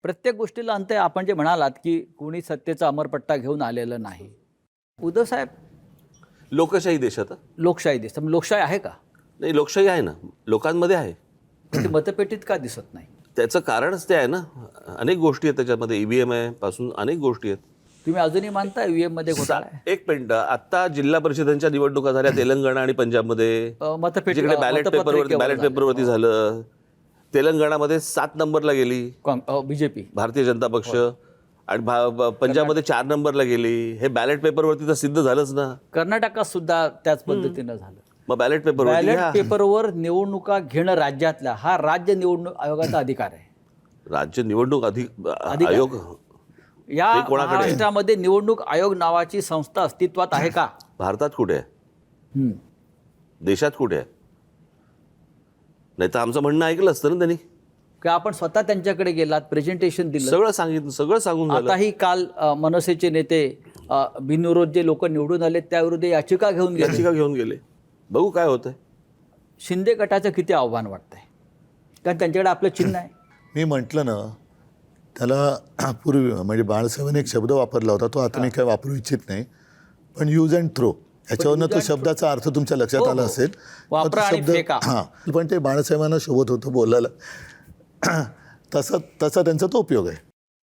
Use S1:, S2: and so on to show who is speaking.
S1: प्रत्येक गोष्टीला अंत आहे. आपण जे म्हणालात की कोणी सत्तेचा अमरपट्टा घेऊन आलेलं नाही. उद्धव साहेब,
S2: लोकशाही देशात
S1: लोकशाही दिसतं. लोकशाही आहे का?
S2: नाही, लोकशाही आहे ना, लोकांमध्ये आहे.
S1: ते मतपेटीत का दिसत नाही?
S2: त्याचं कारणच ते आहे ना, अनेक गोष्टी आहेत त्याच्यामध्ये. ईव्हीएम आहे पासून अनेक गोष्टी आहेत.
S1: तुम्ही अजूनही मानता ईव्हीएम मध्ये घोटाळा आहे?
S2: एक मिनिट, आता जिल्हा परिषदांच्या निवडणुका झाल्या तेलंगणा आणि पंजाबमध्ये.
S1: मतपेटी
S2: जिकडे बॅलेट
S1: मतपत्रिकेवर
S2: पेपरवरती झालं. तेलंगणामध्ये 7 नंबरला गेली
S1: बीजेपी,
S2: भारतीय जनता पक्ष, आणि पंजाबमध्ये 4 नंबरला गेली. हे बॅलेट पेपरवरती तर सिद्ध झालंच ना.
S1: कर्नाटकात सुद्धा त्याच पद्धतीनं झालं.
S2: मग बॅलेट
S1: पेपरवर निवडणुका घेणं राज्यातल्या हा राज्य निवडणूक आयोगाचा अधिकार आहे.
S2: राज्य निवडणूक आयोग
S1: या महाराष्ट्रामध्ये निवडणूक आयोग नावाची संस्था अस्तित्वात आहे का?
S2: भारतात कुठे आहे? देशात कुठे आहे? नाही तर आमचं म्हणणं ऐकलं असतं ना त्यांनी.
S1: की आपण स्वतः त्यांच्याकडे गेलात, प्रेझेंटेशन दिलं,
S2: सगळं सांगितलं, सगळं सांगून झालं.
S1: आताही काल मनसेचे नेते बिनविरोध जे लोक निवडून आले त्याविरुद्ध याचिका घेऊन गेले.
S2: बघू काय होतंय.
S1: शिंदे गटाचं किती आव्हान वाटतंय? कारण त्यांच्याकडे आपलं चिन्ह आहे.
S3: मी म्हटलं ना त्याला पूर्वी, म्हणजे बाळासाहेबांनी एक शब्द वापरला होता, तो आता मी काय वापरू इच्छित नाही, पण यूज अँड थ्रो, याच्यावरनं तो शब्दाचा अर्थ तुमच्या लक्षात आला असेल.
S1: वापरा आणि फेका.
S3: हां, पण ते बाळासाहेबांना शोभत होतं बोलायला. तसा त्यांचा तो उपयोग आहे.